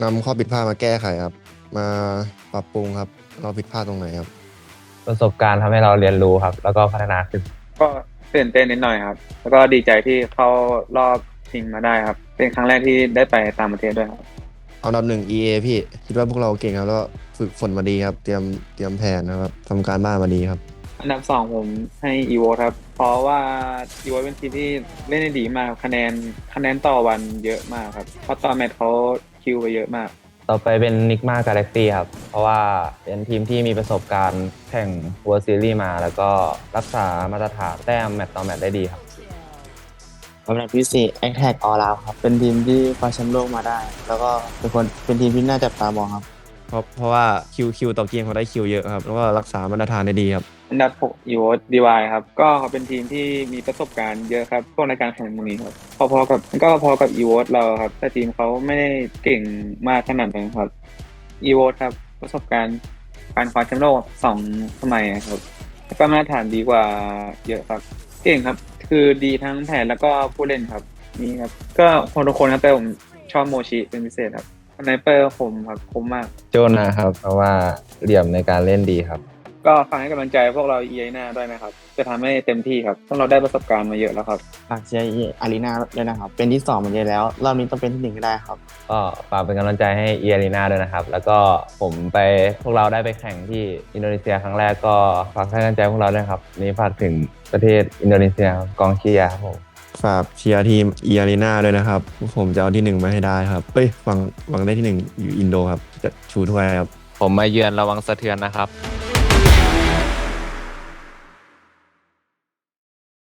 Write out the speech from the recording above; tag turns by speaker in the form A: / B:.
A: นำข้อผิดพลาดมาแก้ไขครับมาปรับปรุงครับเราผิดพลาดตรงไหนครับ
B: ประสบการณ์ทำให้เราเรียนรู้ครับแล้วก็พัฒนาขึ้น
C: ก็ตื่นเต้นนิดหน่อยครับแล้วก็ดีใจที่เข้ารอบชิงมาได้ครับเป็นครั้งแรกที่ได้ไปต่างประเทศด้วยครับ
A: เอาอันดับหนึ่ง EA พี่คิดว่าพวกเราเก่งครับแล้วก็ฝึกฝนมาดีครับเตรียมแผนนะครับทำการบ้านมาดีครับ
C: อันดับสองผมให้อีโวครับเพราะว่าอีโวเป็นทีมที่เล่นได้ดีมากคะแนนต่อวันเยอะมากครับเพราะตอนแมตช์เขาคิวไปเยอะมาก
B: ต่อไปเป็นนิกมากาแล็กซี่ครับเพราะว่าเป็นทีมที่มีประสบการณ์แข่ง World Series มาแล้วก็รักษามาตรฐานแต้มแมตต์ต่อแมตต์ได้ดีครับ
D: สำหรับพี่ซีแอคแท็กออลาวครับเป็นทีมที่คว้าแชมป์โลกมาได้ แล้วก็เป็นทีมที่น่าจับตามองครับ
A: เพราะว่าคิวต่อเกมเขาได้คิวเยอะครับแล้วก็รักษามาตรฐานได้ดีครับ
C: อันดับ6อีโวดีวายครับก็เขาเป็นทีมที่มีประสบการณ์เยอะครับพวกในการแข่งพวกนี้ครับพอกับอีโวเราครับแต่ทีมเขาไม่ได้เก่งมากขนาดนั้นครับอีโวครับประสบการณ์การคว้าแชมป์โลก2 สมัยครับแล้วก็มาตรฐานดีกว่าเยอะครับเก่งครับคือดีทั้งแผนแล้วก็ผู้เล่นครับนี่ครับก็พอทุกคนครับแต่ผมชอบโมชิเป็นพิเศษครับสไนเปอร์คมครับคมมาก
B: โจนะครับเพราะว่าเหลี่ยมในการเล่นดีครับ
C: ก็ฝากให้กำลังใจพวกเราเอหน้าด้วยนะครับจะทำให้เต็มที่ครับพวกเราได้ประสบการณ์มาเยอะแล้วครับ
D: ฝากเชียร์อารีนาด้วยนะครับ เป็นที่2เหมือนเดิมแล้ว รอบนี้ต้องเป็นที่1ก็ได้ครับ
B: ก็ฝากเป็นกำลังใจให้เอียรีนาด้วยนะครับแล้วก็พวกเราได้ไปแข่งที่อินโดนีเซียครั้งแรกก็ฝากให้กำลังใจพวกเราด้วยครับนี่ฝากถึงประเทศอินโดนีเซียครับกองเชียร์ครับผม
A: ฝากเชียร์ทีมอารีนาด้วยนะครับผมจะเอาที่หนึ่งมาให้ได้ครับเฮ้ยหวังได้ที่หนึ่งอยู่อินโดครับจะชูถ้วยครับ
E: ผมมาเยือนระวังสะเทือนนะครับ